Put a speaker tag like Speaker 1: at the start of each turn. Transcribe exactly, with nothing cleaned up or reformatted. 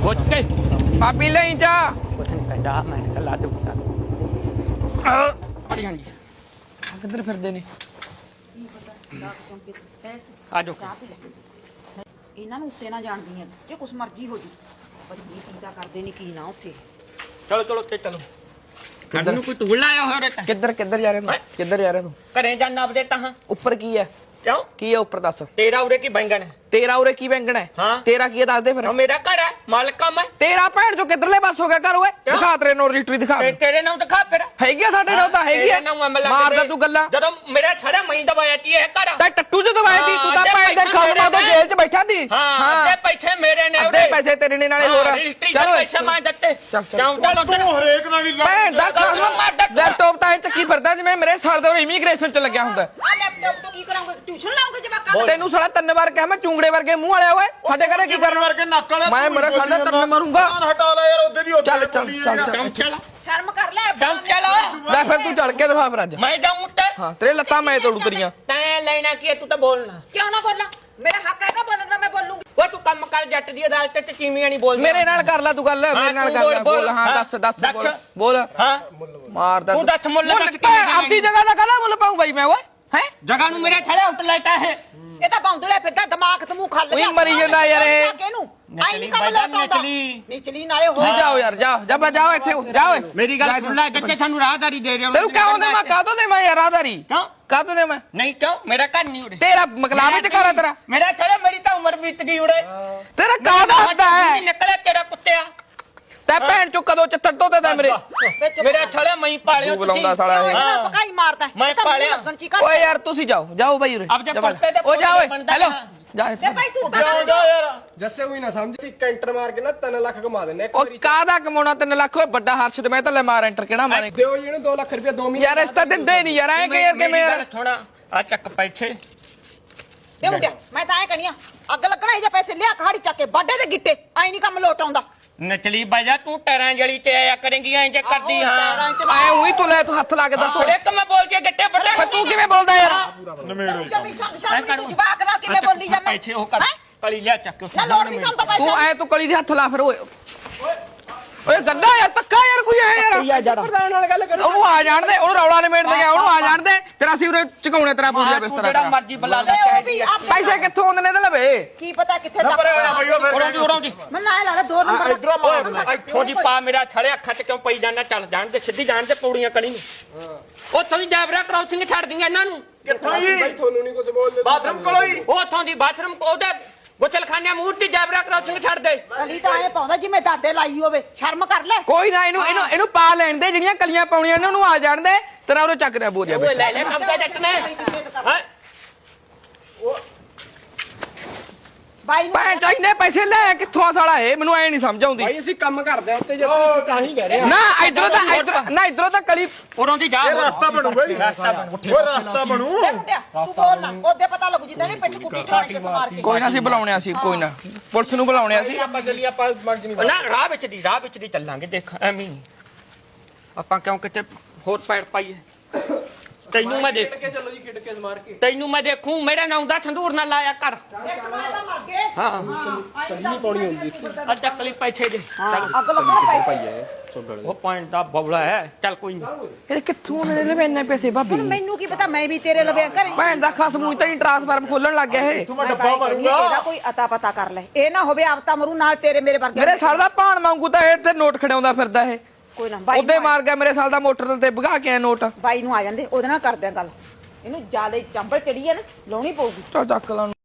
Speaker 1: ਕੇ
Speaker 2: ਪਾਪੀ ਲਈ ਜਾ
Speaker 3: ਕੁਛ ਨਹੀਂ ਕਹਿੰਦਾ ਮੈਂ ਤਾਂ ਲਾ ਦੂੰਗਾ
Speaker 1: ਬੜੀ ਹਾਂਜੀ
Speaker 2: ਕਿੱਧਰ ਫਿਰਦੇ ਨੇ
Speaker 1: ਆ ਜਾਓ
Speaker 4: ਇਹਨਾਂ ਨੂੰ ਉੱਤੇ ਨਾ ਜਾਣਦੀਆਂ ਜੇ ਕੁਛ ਮਰਜ਼ੀ ਹੋ ਜੂ ਪਤਾ ਨਹੀਂ ਕਿੱਦਾਂ ਕਰਦੇ ਨੇ ਕੀ ਨਾ ਉੱਥੇ
Speaker 1: ਚਲੋ ਚਲੋ ਤੇ ਚਲੋ ਕੱਢ ਨੂੰ ਕੋਈ ਟੂਲ ਆਇਆ ਹੋਇਆ ਰੇ
Speaker 2: ਕਿੱਧਰ ਕਿੱਧਰ ਜਾ ਰਿਹਾ ਤੂੰ ਕਿੱਧਰ ਜਾ ਰਿਹਾ ਤੂੰ
Speaker 1: ਘਰੇ ਜਾਣਾ ਆਪਦੇ ਤਾਂ
Speaker 2: ਉੱਪਰ ਕੀ ਹੈ
Speaker 1: ਕਿਉਂ
Speaker 2: ਕੀ ਹੈ ਉੱਪਰ ਦੱਸ
Speaker 1: ਤੇਰਾ ਉਰੇ ਕੀ ਬੈਂਗਣ ਹੈ
Speaker 2: ਤੇਰਾ ਉਰੇ ਕੀ ਬੈਂਗਣ ਹੈ
Speaker 1: ਹਾਂ।
Speaker 2: ਤੇਰਾ ਕੀ ਹੈ ਦੱਸ ਦੇ ਫਿਰ
Speaker 1: ਉਹ ਮੇਰਾ ਘਰ ਹੈ ਮਾਲਕਾ ਮੈਂ
Speaker 2: ਤੇਰਾ ਭੈਣ ਜੋ ਕਿੱਧਰਲੇ ਪਾਸ ਹੋ ਗਿਆ ਘਰ ਓਏ
Speaker 1: ਕਿਉਂ?
Speaker 2: ਦਿਖਾ ਤੇਰੇ ਨੋ ਰਜਿਸਟਰੀ ਦਿਖਾ
Speaker 1: ਤੇ ਤੇਰੇ ਨਾਮ ਦਿਖਾ ਫਿਰ
Speaker 2: ਹੈਗੀ ਆ ਸਾਡੇ ਨਾਲ ਤਾਂ ਹੈਗੀ ਆ
Speaker 1: ਤੇਰੇ ਨਾਮ ਅਮਲ
Speaker 2: ਮਾਰਦਾ ਤੂੰ ਗੱਲਾਂ
Speaker 1: ਜਦੋਂ ਮੇਰਾ ਛੜਾ ਮਈ ਦਵਾਇਆ ਤੀ ਇਹ ਘਰ
Speaker 2: ਤਾਂ ਟੱਟੂ ਚ ਦਵਾਈ ਦੀ ਤੂੰ ਤਾਂ
Speaker 1: ਹਾਂ,
Speaker 2: ਭੈਣ ਦੇ
Speaker 1: ਅੱਧੇ
Speaker 2: ਖਾਉ ਮਾਂ ਤੋਂ
Speaker 1: ਪੈਸੇ
Speaker 2: ਜੇਲ੍ਹ ਚ ਬੈਠਾ ਦੀ
Speaker 1: ਹਾਂ ਅੱਧੇ ਪੈਸੇ ਮੇਰੇ ਨੇ
Speaker 2: ਅੱਧੇ ਪੈਸੇ ਤੇਰੇ ਨੇ ਨਾਲੇ ਹੋਰ
Speaker 1: ਰਜਿਸਟਰੀ ਦੇ ਪੈਸੇ ਮੈਂ ਦਿੱਤੇ
Speaker 2: ਚੱਲ, ਚੱਲ।
Speaker 1: ਕਿਉਂ ਚਲੋ
Speaker 5: ਤੂੰ ਹਰੇਕ ਨਾਲ ਹੀ
Speaker 2: ਭੈਣ ਦਾ ਖਾਉ
Speaker 1: ਮਾਰਦਾ
Speaker 2: ਲੈਪਟਾਪ ਤਾਂ ਇਹ ਚੱਕੀ ਫਿਰਦਾ ਜਿਵੇਂ ਮੇਰੇ ਸਾਲ ਦੇ ਇਮੀਗ੍ਰੇਸ਼ਨ ਚ ਲੱਗਿਆ ਹੁੰਦਾ
Speaker 4: ਆ ਲੈਪਟਾਪ ਤੋਂ ਕੀ ਕਰਾਂਗੇ ਟਿਊਸ਼ਨ ਲਾਉਂਗੇ ਜਵਾਕਾਂ
Speaker 2: ਤੈਨੂੰ ਸਾਲਾ ਤਿੰਨ ਵਾਰ ਕਿਹਾ ਮੈਂ ਚੁੰਗੜੇ ਵਰਗੇ ਮੂੰਹ ਵਾਲਿਆ ਓਏ ਸਾਡੇ ਘਰੇ ਕੀ ਕਰਨ
Speaker 5: ਵਰਗੇ ਨੱਕ ਵਾਲੇ
Speaker 2: ਮੈਂ ਮੇਰਾ ਸਾਡਾ ਤਰਨ ਮਾਰੂੰਗਾ
Speaker 5: ਹਟਾ ਲੈ ਯਾਰ ਉਹਦੇ ਦੀ ਉੱਤੇ
Speaker 2: ਚੱਲ ਚੱਲ ਚੱਲ ਚੱਲ
Speaker 1: ਕਿਉਂ ਚਲੋ
Speaker 4: ਸ਼ਰਮ ਕਰ ਲੈ
Speaker 1: ਕਿਉਂ ਚਲੋ
Speaker 2: ਲੈ ਫਿਰ ਤੂੰ ਚੜ ਕੇ ਦਿਖਾ ਫਿਰ ਅੱਜ
Speaker 1: ਮੈਂ ਜਾਉਂ ਉੱਤੇ
Speaker 2: ਹਾਂ ਤੇਰੇ ਲੱਤਾਂ ਮੈਂ ਤੋੜੂ ਤੇਰੀਆਂ
Speaker 1: ਤੈਂ ਲੈਣਾ ਕੀ ਹੈ, ਤੂੰ ਤਾਂ ਬੋਲਣਾ
Speaker 4: ਕਿਉਂ ਨਾ ਬੋਲਾਂ ਮੇਰਾ ਹੱਕ ਹੈਗਾ ਬੋਲਣ ਦਾ ਮੈਂ ਬੋਲੂੰਗੀ
Speaker 1: ਉਹ ਤੂੰ ਕੰਮ ਕਰ ਜੱਟ ਦੀ ਅਦਾਲਤ ਚ ਚੀਮੀਆਂ ਨਹੀਂ ਬੋਲਦਾ
Speaker 2: ਮੇਰੇ ਨਾਲ ਕਰ ਲੈ ਤੂੰ ਗੱਲ ਮੇਰੇ ਨਾਲ
Speaker 1: ਤੂੰ
Speaker 2: ਕਰ ਲੈ
Speaker 1: ਬੋਲ,
Speaker 2: ਬੋਲ ਹਾਂ
Speaker 1: ਹਾਂ,
Speaker 2: ਦੱਸ ਦੱਸ
Speaker 1: ਦੱਸ।
Speaker 2: ਬੋਲ ਬੋਲ
Speaker 1: ਹਾਂ
Speaker 2: ਮਾਰਦਾ
Speaker 1: ਤੂੰ ਦੱਸ ਮੁੱਲ ਦੱਸ
Speaker 2: ਭੈਣ, ਆਪਦੀ ਜਗ੍ਹਾ ਦਾ ਕਾਹਦਾ ਮੁੱਲ ਪਾਉਂ ਬਾਈ ਮੈਂ ਓਏ ਹੈ
Speaker 1: ਜਗ੍ਹਾ ਨੂੰ ਮੇਰੇ ਛੜੇ ਆਊਟਲੈਟ ਹੈ
Speaker 4: ਇਹ ਤਾਂ ਬੌਂਦਲੇ ਫਿਰਦਾ ਦਿਮਾਗ ਤੇ ਮੂੰਹ ਖੱਲ
Speaker 2: ਉਹੀ ਮਰੀ ਜਾਂਦਾ ਯਾਰ ਇਹ।
Speaker 4: ਆਈ ਨਹੀਂ ਕੰਮ
Speaker 1: ਨਿਚਲੀ
Speaker 4: ਲੋਟਾਉਂਦਾ
Speaker 1: ਨਿਚਲੀ।
Speaker 4: ਨਿਚਲੀ ਨਾਲੇ ਹੋ
Speaker 2: ਤੁਸੀਂ ਜਾਓ ਯਾਰ ਜਾਓ ਜਾ ਬਾ ਜਾਓ ਇੱਥੇ ਜਾਓ ਓਏ
Speaker 1: ਮੇਰੀ ਗੱਲ ਸੁਣ ਲੈ ਬੱਚੇ ਤੁਹਾਨੂੰ ਰਾਹਦਾਰੀ ਦੇ ਰਿਹਾ
Speaker 2: ਤੈਨੂੰ ਕਿਉਂ ਦੇ ਮੈਂ ਕਾਹਤੋਂ ਦੇ ਮੈਂ ਯਾਰ ਆਧਾਰੀ
Speaker 1: ਕਿਉਂ
Speaker 2: ਕਾਹਤੋਂ ਦੇ ਮੈਂ
Speaker 1: ਨਹੀਂ ਕਿਉਂ ਮੇਰਾ ਘਰ ਨਹੀਂ ਉਰੇ
Speaker 2: ਤੇਰਾ ਮਕਲਾਵੇ ਚ ਕਰਾ ਤੇਰਾ
Speaker 1: ਮੇਰਾ ਛੜੇ ਮੇਰੀ ਤਾਂ ਉਮਰ ਬੀਤ ਗਈ ਉਰੇ
Speaker 2: ਤੇਰਾ ਕਾਹਦਾ ਹੱਦਾ ਹੈ
Speaker 1: ਨਿਕਲਿਆ ਤੇਰਾ ਕੁੱਤਿਆ
Speaker 2: ਤੈ ਭੈਣ ਚੋਂ ਕਦੋਂ ਚੱਤਰ ਤੋਂ ਤੇ ਮੇਰੇ
Speaker 1: ਮੇਰਾ ਛੜੇ ਮਈ ਪਾਲਿਓ
Speaker 2: ਤੂੰ ਬੁਲਾਉਂਦਾ ਸਾਲਾ ਇਹ।
Speaker 1: ਹਾਂ।
Speaker 4: ਪਕਾਈ ਮਾਰਦਾ
Speaker 1: ਮੈਂ
Speaker 4: ਇਹ ਤਾਂ ਮੂੰਹ
Speaker 1: ਪਾਲਿਆ।
Speaker 4: ਲੱਗਣ ਚ ਹੀ ਘੱਟ
Speaker 2: ਓਏ ਯਾਰ ਤੁਸੀਂ ਜਾਓ ਜਾਓ ਬਾਈ ਉਰੇ
Speaker 1: ਅਬ ਜੇ
Speaker 2: ਜਾ ਬਾਈ।
Speaker 1: ਪੱਤੇ ਤੇ
Speaker 2: ਓ ਜਾ ਓਏ
Speaker 1: ਬਣਦਾ
Speaker 2: ਹੈਲੋ
Speaker 1: ਨਾ।
Speaker 2: ਜਾ
Speaker 4: ਤੇ
Speaker 2: ਇੱਥੇ।
Speaker 4: ਭਾਈ ਤੂੰ ਤਾਂ
Speaker 5: ਜਾ ਜਾ ਯਾਰ
Speaker 6: ਜੱਸੇ ਹੋਈ ਨਾ ਸਮਝ ਸੀ ਕੈਂਟਰ ਮਾਰ ਕੇ ਨਾ ਤਿੰਨ ਲੱਖ ਕਮਾ ਦਿੰਨੇ ਇੱਕ
Speaker 2: ਉਹ
Speaker 6: ਵਾਰੀ
Speaker 2: ਕਾਹਦਾ ਕਮਾਉਣਾ ਤਿੰਨ ਲੱਖ ਓਏ ਵੱਡਾ ਹਰਸ਼ ਤੇ ਮੈਂ ਤਾਂ ਲੈ ਮਾਰ ਐਂਟਰ ਕਿਹੜਾ ਮਾਰੇ
Speaker 6: ਦਿਓ ਜੀ ਇਹਨੂੰ ਦੋ ਲੱਖ ਰੁਪਏ ਦੋ ਮਹੀਨੇ
Speaker 2: ਯਾਰ ਇਸ ਤਾਂ ਦਿੰਦੇ ਨਹੀਂ ਯਾਰ ਐ ਕਿ ਯਾਰ ਕਿਵੇਂ ਯਾਰ
Speaker 1: ਥੋੜਾ ਆ ਚੱਕ ਪੈਸੇ
Speaker 4: ਤੇ ਮੁੰਡਿਆ ਮੈਂ ਤਾਂ ਐ ਕਹਣੀਆਂ ਅੱਗ ਲੱਗਣਾ ਇਹ ਜੇ ਪੈਸੇ ਲਿਆ ਕਹਾੜੀ ਚੱਕ ਕੇ ਬਾਡੇ ਦੇ ਗਿੱਟੇ ਆਈ ਨਹੀਂ ਕੰਮ ਲੋਟ ਆਉਂਦਾ
Speaker 1: ਨਚਲੀ ਬਾਜਾ ਤੂੰ ਟਰਾਂ ਜਲੀ ਤੇ ਆਇਆ ਕਰੇਂਗੀ ਐਂ ਜੇ ਕਰਦੀ ਹਾਂ
Speaker 2: ਐ ਉਹੀ ਤੂੰ ਲੈ ਤੂੰ ਹੱਥ ਲਾ ਕੇ ਦੱਸ
Speaker 1: ਥੋੜੇ ਕ ਮੈਂ ਬੋਲ ਕੇ ਗੱਟੇ ਵੱਡੇ
Speaker 2: ਫਿਰ ਤੂੰ ਕਿਵੇਂ ਬੋਲਦਾ ਯਾਰ
Speaker 5: ਨਮੇੜੋ
Speaker 4: ਸ਼ਮੀ ਸ਼ਮ ਸ਼ਮ ਤੂੰ ਜਵਾਕ ਨਾਲ ਕਿਵੇਂ ਬੋਲੀ ਜਾਂਦਾ
Speaker 1: ਪੈਸੇ ਉਹ ਕਰ ਕਲੀ ਲਿਆ ਚੱਕ
Speaker 4: ਨਾ ਲੋੜ ਨਹੀਂ ਸਾਨੂੰ ਤਾਂ
Speaker 2: ਤੂੰ
Speaker 4: ਪੈਸੇ
Speaker 2: ਐ ਤੂੰ ਕਲੀ ਦੇ ਹੱਥ ਲਾ ਫਿਰ ਓਏ ਓਏ ਗੰਦਾ ਯਾਰ ਤੱਕਾ ਯਾਰ ਕੋਈ ਐ ਯਾਰ
Speaker 6: ਪ੍ਰਧਾਨ ਨਾਲ ਗੱਲ ਕਰੋ
Speaker 2: ਉਹਨੂੰ ਆ ਜਾਣ ਦੇ ਉਹਨੂੰ ਰੌਲਾ ਨਿਮੇੜ ਦੇ ਗਿਆ ਉਹਨੂੰ ਆ ਜਾਣ ਦੇ ਫਿਰ ਅਸੀਂ ਉਰੇ ਚਕਾਉਣੇ ਤੇਰਾ ਪੂਰਾ
Speaker 1: ਤੂੰ
Speaker 2: ਬਿਸਤਰਾ
Speaker 1: ਜਿਹੜਾ
Speaker 2: ਤੇਰਾ।
Speaker 1: ਮਰਜ਼ੀ ਬੁਲਾ ਲੈ
Speaker 4: ਉਹ ਵੀ ਆਪ-
Speaker 2: ਪੈਸੇ ਕਿੱਥੋਂ ਆਉਂਦੇ ਨੇ ਇਹਦੇ ਲਵੇ
Speaker 4: ਕੀ ਪਤਾ ਕਿੱਥੇ ਤੱਕ
Speaker 5: ਬਈਓ ਫਿਰ
Speaker 1: ਉਰੋਂ ਦੀ ਉਰੋਂ ਦੀ
Speaker 4: ਮੈਂ ਨਾ ਇਹ ਲੱਗਦਾ ਦੋ ਨੰਬਰ
Speaker 5: ਇਧਰੋਂ ਮਾਰ
Speaker 1: ਇੱਥੋਂ ਦੀ ਪਾ ਮੇਰਾ ਛੜੇ ਅੱਖਾਂ 'ਚ ਕਿਉਂ ਪਈ ਜਾਂਦਾ ਚੱਲ ਜਾਣ ਦੇ ਸਿੱਧੀ ਜਾਣ ਦੇ ਪੌੜੀਆਂ ਕਲੀ ਨੂੰ ਉੱਥੋਂ ਦੀ ਜੈਬਰਾ ਕ੍ਰਾਸਿੰਗ ਛੱਡ ਦਿੰਗਾ ਇਹਨਾਂ ਨੂੰ
Speaker 5: ਕਿੱਥੋਂ ਜੀ
Speaker 6: ਬਾਈ ਤੁਹਾਨੂੰ ਨਹੀਂ ਕੁਝ ਬੋਲਦੇ
Speaker 5: ਬਾਥਰੂਮ ਕੋਲੋਂ ਹੀ
Speaker 1: ਉੱਥੋਂ ਦੀ ਬਾਥਰੂਮ ਉਹਦੇ ਗੁਸਲਖਾਨੇ ਮੂਹਰ ਦੀ ਜੈਬਰਾ ਕ੍ਰਾਸਿੰਗ ਛੱਡ ਦੇ
Speaker 4: ਕਲੀ ਤਾਂ ਐ ਪਾਉਂਦਾ ਜਿਵੇਂ ਦਾਦੇ ਲਾਈ ਹੋਵੇ ਸ਼ਰਮ ਕਰ ਲੈ
Speaker 2: ਕੋਈ ਨਾ ਇਹਨੂੰ ਇਹਨੂੰ ਇਹਨੂੰ ਪਾ ਲੈਣ ਦੇ ਜਿਹੜੀਆਂ ਕਲੀਆਂ ਪਾਉਣੀਆਂ ਨੇ ਉਹਨੂੰ ਆ ਜਾਣ ਦੇ ਤੇਰਾ ਉਹਨੂੰ ਚੱਕ ਰਿਹਾ ਬੋਲਿਆ
Speaker 1: ਓਏ ਲੈ ਲੈ ਕੰਮ ਤੇ ਜੱਟ ਨੇ ਹੈਂ?
Speaker 4: ਬਾਈ ਨੂੰ
Speaker 2: ਭੈਣ ਚੋ ਇੰਨੇ ਪੈਸੇ ਲੈ ਕਿੱਥੋਂ ਆ ਸਾਲਾ ਇਹ ਮੈਨੂੰ ਐ ਨਹੀਂ ਸਮਝ ਆਉਂਦੀ
Speaker 6: ਬਾਈ ਅਸੀਂ ਕੰਮ ਕਰਦੇ ਆ ਉੱਤੇ ਜੱਸੇ ਤਾਂ ਹੀ ਕਹਿ ਰਹੇ ਆ
Speaker 2: ਨਾ ਇਧਰੋਂ ਤਾਂ ਇੱਧਰ ਨਾ ਇਧਰੋਂ ਤਾਂ ਕਲੀ
Speaker 1: ਉਰੋਂ ਦੀ ਜਾ
Speaker 5: ਇਹ ਰਸਤਾ ਬਣੂ ਬਈ
Speaker 1: ਰਸਤਾ ਬਣੂ।
Speaker 5: ਓਏ ਰਸਤਾ ਬਣੂ
Speaker 4: ਇਹ ਮੁੰਡਿਆ ਤੂੰ ਬੋਲ ਨਾ ਉਹਦੇ ਪਤਾ ਲੱਗੂ ਜਿੱਦਾਂ ਨਹੀਂ ਪਿੱਠ ਕੁੱਟੀ ਠਾਣੀ ਕੇ ਮਾਰ ਕੇ
Speaker 2: ਕੋਈ ਨਾ ਅਸੀਂ ਬੁਲਾਉਣਿਆ ਸੀ ਕੋਈ ਨਾ ਪੁਲਿਸ ਨੂੰ ਬੁਲਾਉਣਿਆ ਸੀ
Speaker 6: ਆਪਾਂ ਚੱਲੀ ਆਪਾਂ ਮੰਗ ਨਹੀਂ
Speaker 1: ਨਾ ਰਾਹ ਵਿੱਚ ਦੀ ਰਾਹ ਵਿੱਚ ਦੀ ਚੱਲਾਂਗੇ ਦੇਖ ਐਵੇਂ ਨਹੀਂ ਆਪਾਂ ਕਿਉਂ ਕਿਤੇ ਹੋਰ ਪੈੜ ਪਾਈਏ ਤੈਨੂੰ ਮੈਂ ਦੇਖ
Speaker 6: ਕੇ ਚੱਲੋ ਜੀ ਖਿੱਡ ਕੇ ਮਾਰ ਕੇ
Speaker 1: ਤੈਨੂੰ ਮੈਂ ਦੇਖੂ ਮੇਰੇ ਨਾਂ ਦਾ ਸੰਦੂਰ ਨਾ ਲਾਇਆ ਕਰ
Speaker 4: ਇੱਕ ਮੈਂ ਤਾਂ ਮਰ ਗਏ
Speaker 1: ਹਾਂ
Speaker 4: ਨਹੀਂ
Speaker 6: ਪਾਉਣੀ ਹੁੰਦੀ
Speaker 1: ਆ ਚੱਕਲੀ ਪੈਸੇ ਦੇ
Speaker 4: ਅੱਗ ਲੱਗਣਾ ਪੈ
Speaker 6: ਭਾਈ ਹੈ ਸੋਡਲ
Speaker 1: ਉਹ ਪੁਆਇੰਟ ਦਾ ਬੌਲਾ ਹੈ ਚੱਲ ਕੋਈ ਨਹੀਂ
Speaker 2: ਇਹ ਕਿੱਥੋਂ ਮੇਰੇ ਲਈ ਇੰਨੇ ਪੈਸੇ ਭਾਬੀ
Speaker 4: ਮੈਨੂੰ ਕੀ ਪਤਾ ਮੈਂ ਵੀ ਤੇਰੇ ਲਵੇ ਕਰੇ
Speaker 2: ਭੈਣ ਦਾ ਖਸਮੂ ਤਾਂ ਹੀ ਟ੍ਰਾਂਸਫਾਰਮ ਖੋਲਣ ਲੱਗ ਗਿਆ ਇਹ
Speaker 5: ਤੂੰ ਮੈਂ ਡੱਬਾ ਮਾਰੂੰਗਾ
Speaker 4: ਇਹਦਾ ਕੋਈ ਅਤਾ ਪਤਾ ਕਰ ਲੈ ਇਹ ਨਾ ਹੋਵੇ ਆਪਤਾ ਮਰੂ ਨਾਲ ਤੇਰੇ ਮੇਰੇ ਵਰਗੇ
Speaker 2: ਮੇਰੇ ਸਾਲ ਦਾ ਭਾਣ ਵਾਂਗੂ ਤਾਂ ਇਹ ਤੇ ਨੋਟ ਖੜਾਉਂਦਾ ਫਿਰਦਾ ਇਹ
Speaker 4: ਕੋਈ ਨਾ ਬਾਈ
Speaker 2: ਉਹਦੇ ਮਾਰ ਗਿਆ ਮੇਰੇ ਸਾਲ ਦਾ ਮੋਟਰ ਤੇ ਭਗਾ ਕੇ ਆ ਨੋਟ
Speaker 4: ਬਾਈ ਨੂੰ ਆ ਜਾਂਦੇ ਉਹਦੇ ਨਾਲ ਕਰਦੇ ਆ ਗੱਲ ਇਹਨੂੰ ਜਿਆਦਾ ਚੰਬਲ ਚੜੀ ਹੈ ਨਾ ਲਾਉਣੀ ਪਊਗੀ
Speaker 2: ਚਾ ਚੱਕ ਲਾ